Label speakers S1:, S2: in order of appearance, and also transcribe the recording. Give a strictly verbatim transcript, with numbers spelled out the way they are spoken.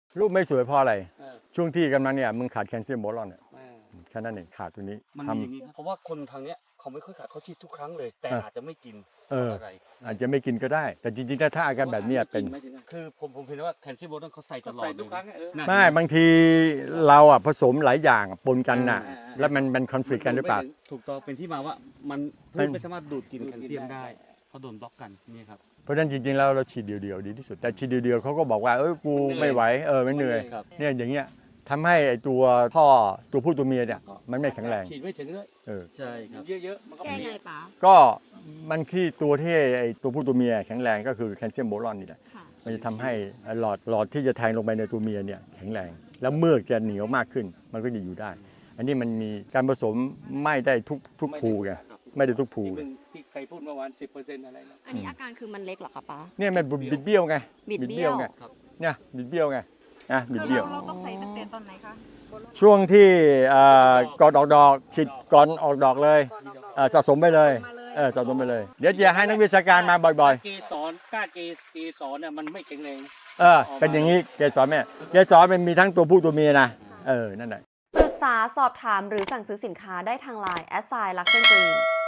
S1: รูปไม่สวยเพราะอะไร
S2: เออ
S1: ช่วงที่กำลังเนี่ยมึงขาดแคลเซียมโบรอนเนี่ย
S2: เออ
S1: แค่นั้นเองขาดตัวนี้
S2: มัน
S1: ท
S2: มีอย่างนี้ครับเพราะว่าคนทางเนี้ยเขาไม่ค่อยขาดเขาฉีดทุกครั้งเลย แต่
S1: เอออ
S2: อาจจะไม่กิน
S1: เออ
S2: อะไร
S1: ำอาจจะไม่กินก็ได้ แต่จริงๆถ้าอาการแบบเนี้ยเป็น
S2: คือผมผมเห็นว่าแคลเซียมโบรอนเขาใส่ตลอด
S3: ใส่ทุกครั้งเออ
S2: นะ
S1: ไม่บางทีเราอ่ะผสมหลายอย่างปนกันน่ะ
S2: อ่าอ่า
S1: แล้วมันมันคอนฟ lict กันหรือเปล่า
S2: ถูกต้องเป็นที่มาว่ามันพืชไม่สามารถดูดกินแคลเซียมได้เพราะโดนบล็อกกันนี่ครับ
S1: เพราะฉะนั้นจริงๆแล้วเราฉีดเดียวๆดีที่สุด แต่ฉีดเดียวๆเขาก็บอกว่าเอ้ยกูไม่ไหวเออไม่เหนื่อย
S2: ครับ
S1: เนี่ยอย่างเงี้ยทำให้ไอ้ตัวท่อตัวผู้ตัวเมียเนี่ยมันไม่แข็งแรง
S3: ฉีดไม่ถึงเลย
S1: เออ
S2: ใช่ครับ
S3: เยอะๆมันก็
S4: แก้
S3: มี
S4: ไงป๋า
S1: ก็มันที่ตัวที่ไอ้ตัวผู้ตัวเมียแข็งแรงก็คือแคลเซียมโบรอนนี่แหละ
S4: ค่ะ
S1: มันจะทำให้หลอดหลอดที่จะแทงลงไปในตัวเมียเนี่ยแข็งแรง แล้วเมือกจะเหนียวมากขึ้น มันก็จะอยู่ได้ อันนี้มันมีการผสมไม่ได้ทุกทุกภูไงไม่ได้ทุกภู
S3: ที่มึงที่ใครพูดเมื่อวานสิบเปอร์เซ็นต์อะไรนะ
S4: อันนี้อาการคือมันเล็กเหรอคะป๋า
S1: เนี่ยมันบิดเบี้ยวไง
S4: บิดเบี้ยว
S1: ไงเนี่ยบิดเบี้ยวไงนะบิด
S4: คือ
S1: เบี้ยว
S4: เราเราต้องใส่ตั้งแต่ตอนไหนคะ
S1: ช่วงที่เอ่อก่อนออกดอกฉีดก่อนออกดอกเลยเอ่อสะสมไปเลยเออสะสมไปเลย เดี๋ยวจะให้นักวิชาการมาบ่อย
S3: เกสรก้านเกเกสรเนี่ยมันไม่แข็งแรง
S1: ๆ เออเป็นอย่างนี้เกสรแม่เกสรมันมีทั้งตัวผู้ตัวเมียนะเออนั่นแหละ
S5: ปรึกษาสอบถามหรือสั่งซื้อสินค้าได้ทางไลน์แอสไซน์ลักเซนกรีน